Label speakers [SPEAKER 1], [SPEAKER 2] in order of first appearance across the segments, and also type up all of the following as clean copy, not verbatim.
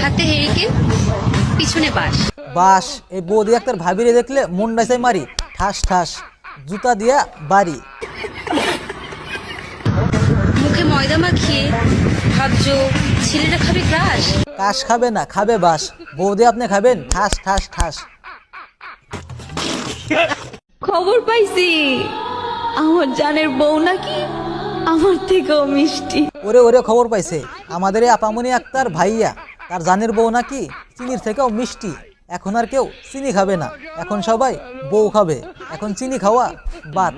[SPEAKER 1] হাতে হেরিকেন, পিছনে বাস।
[SPEAKER 2] বাস এই বৌদি একটার ভাবিরে দেখলে মুন্ডা চাই মারি, ঠাস ঠাস জুতা দিয়া বাড়ি।
[SPEAKER 1] মুখে ময়দা মাখিয়ে ভাবছো ছেলেটা খাবে ক্রাশ।
[SPEAKER 2] কাশ খাবে না, খাবে বাস। বৌদি আপনি খাবেন ঠাস ঠাস ঠাস।
[SPEAKER 3] খবর পাইছি আমার জানের বউ নাকি আমার থেকেও মিষ্টি।
[SPEAKER 2] ওরে ওরে খবর পাইছে আমাদের এই আপামনি আক্তার ভাইয়া, তার জানের বউ নাকি চিনির থেকেও মিষ্টি। এখন আর কেউ চিনি খাবে না, এখন সবাই বউ খাবে। এখন চিনি খাওয়া বাদ।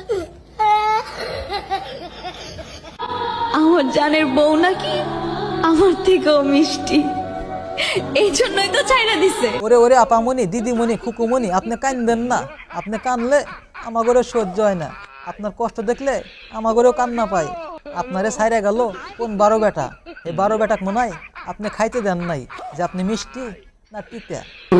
[SPEAKER 3] আমার জানের বউ নাকি আমার থেকেও মিষ্টি, এই জন্যই তো চাইনা দিছে।
[SPEAKER 2] ওরে ওরে আপামনি, দিদিমণি, খুকুমণি, আপনি কান্দেন না। আপনি কানলে আমাগরে সহ্য হয় না। আপনার কষ্ট দেখলে আমাগরেও কান্না পায়। আপনারে ছাইরা গেল কোন 12 বেটা, এই 12 বেটাক মনে হয় আপনি খাইতে দেন নাই যে আপনি মিষ্টি না তিতা।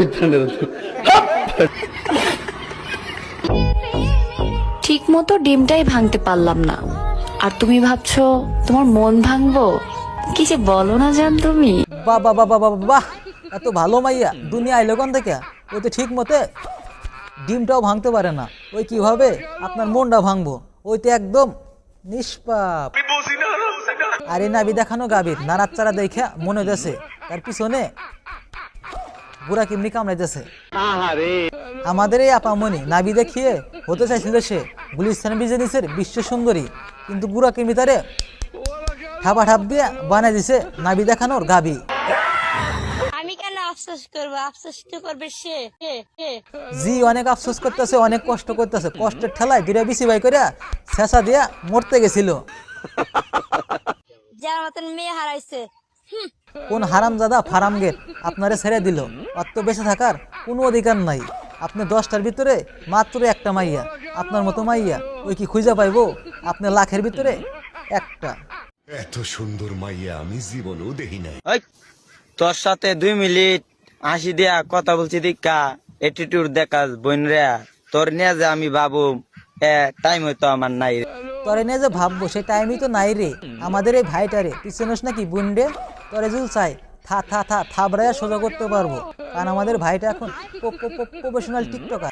[SPEAKER 4] ঠিক মতো ডিমটাই ভাঙতে পারলাম না, আর তুমি ভাবছো তোমার মন ভাঙবো? কি যে বলো না জান তুমি।
[SPEAKER 2] বাহ বাহ বাহ বাহ বাহ, এত ভালো মাইয়া দুনিয়া আইলো কোন থেকে? ওই তো ঠিক মতে ডিমটাও ভাঙতে পারে না, ওই কিভাবে আপনার মনটা ভাঙবো? ওই তো একদম নিষ্পাপ। আর এই নাবি দেখানো গাভীর নাড়াচাড়া দেখা মনে হইতেছে তার পিছনে বুড়া কিমনি কামড়াইতেছে। আমাদের এই আপামনি নাবি দেখিয়ে হতে চাইছিল সে গুলিস্তান বিজনেসের বিশ্ব সুন্দরী, কিন্তু বুড়া কিমনি তারে ঠাপা ঠাপ দিয়ে বানাই দিছে নাবি দেখানোর গাভী।
[SPEAKER 5] আমি কেন আফসোস করবো, আফসোস তো করবে সে।
[SPEAKER 2] জি অনেক আফসোস করতেছে, অনেক কষ্ট করতেছে। কষ্টের ঠেলায় দুইটা বিসি বাই করে শেষা দিয়া মরতে গেছিল।
[SPEAKER 5] যার মতন মেয়ে হারাইছে।
[SPEAKER 2] কোন হারামজাদা ফারাম গেট আপনারে ছেড়ে দিল? অত বেঁচে থাকার কোনো অধিকার নাই। আপনি 10টার ভিতরে মাত্র একটা মাইয়া, আপনার মতো মাইয়া ওই কি খুঁজে পাইবো? আপনি লাখের ভিতরে একটা।
[SPEAKER 6] এত সুন্দর মাইয়া আমি জীবনেও দেখি নাই।
[SPEAKER 7] তোর সাথে 2 মিনিট হাসি দিয়া কথা বলছি দীক্ষা এটিটিউড দেখাস বোন রে। তোর নিয়ে যে আমি বাবু টাইম হয়তো আমার নাই।
[SPEAKER 2] তরে নিয়ে যে ভাববো সেই টাইমই তো নাই রে। আমাদের এই ভাইটারে পিছনোস নাকি বুনডে? তরে জুল চাই থাবড়াইয়া সোজা করতে পারবো, কারণ আমাদের ভাইটা এখন প্রফেশনাল টিকটকার।